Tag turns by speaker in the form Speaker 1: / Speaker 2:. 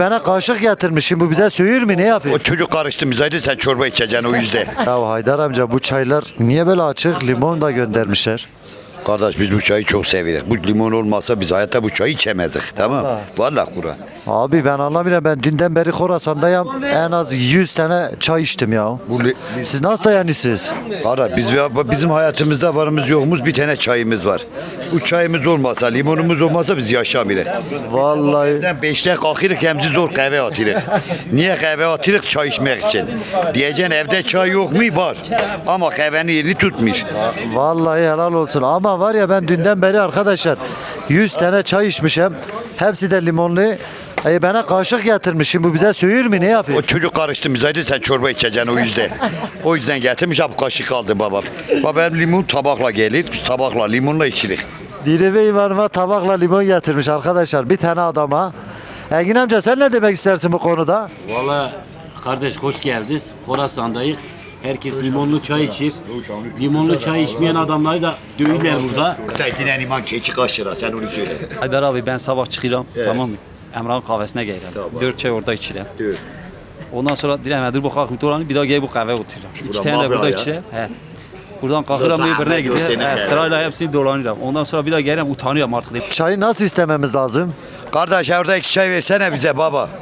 Speaker 1: Bana kaşık getirmişsin, bu bize söğür mü, ne
Speaker 2: O
Speaker 1: yapıyor?
Speaker 2: çocuk karıştı bizaydı, sen çorba içeceksin o yüzden.
Speaker 1: Ya Haydar amca, bu çaylar niye böyle açık? Limon da göndermişler.
Speaker 2: Kardeş biz bu çayı çok seviyoruz. Bu limon olmasa biz hayatta bu çayı içemezdik, tamam? Vallahi Kur'an.
Speaker 1: Abi ben anlamıyorum, ben dünden beri Khorasan'dayım, en az 100 tane çay içtim ya. Siz nasıl dayanıyorsunuz?
Speaker 2: Kardeş bizim hayatımızda varımız yokumuz bir tane çayımız var. Bu çayımız olmasa, limonumuz olmasa biz yaşamayız.
Speaker 1: Vallahi.
Speaker 2: Evden 5'te kalkırıq, hemzi zor kahve atırıq. Niye kahve atırıq? Çay içmek için. Diyeceksin evde çay yok mu? Var. Ama kahvenin yerini tutmuş.
Speaker 1: Vallahi helal olsun, ama var ya, ben dünden beri arkadaşlar 100 tane çay içmişim, hepsi de limonlu. Bana kaşık getirmişsin, bu bize söğür mü, ne
Speaker 2: O
Speaker 1: yapıyor?
Speaker 2: çocuk karıştı bizaydı, sen çorba içeceksin o yüzden. O yüzden getirmiş, bu kaşık aldı babam. Babam limon tabakla gelir, biz tabakla limonla içirik.
Speaker 1: Dileve imanıma tabakla limon getirmiş arkadaşlar, bir tane adama. Engin amca, sen ne demek istersin bu konuda?
Speaker 3: Valla kardeş hoş geldiniz. Khorasan'dayız. Herkes limonlu çay içir. Limonlu çay içmeyen adamları da dövürler burada.
Speaker 2: Dinen iman keçi kaç lira, sen onu söyle.
Speaker 4: Haydar abi ben sabah çıkıram, tamam mı? Emrah'ın kahvesine gelirəm.
Speaker 2: Tamam.
Speaker 4: 4 çay orada içirəm.
Speaker 2: Dur.
Speaker 4: Ondan sonra deyirəm, bu kalkım dolanı bir daha gelip bu kahve otururam. İki tane de
Speaker 2: mafya
Speaker 4: burada
Speaker 2: ya.
Speaker 4: içirəm. He. Buradan kalkıram bir birine
Speaker 2: Gösterine
Speaker 4: gidiyor.
Speaker 2: kahve.
Speaker 4: Sırayla hepsini dolanıram. Ondan sonra bir daha gelirəm, utanıyorum artık.
Speaker 1: Çayı nasıl istememiz lazım?
Speaker 2: Kardeş orada 2 çay versene bize baba.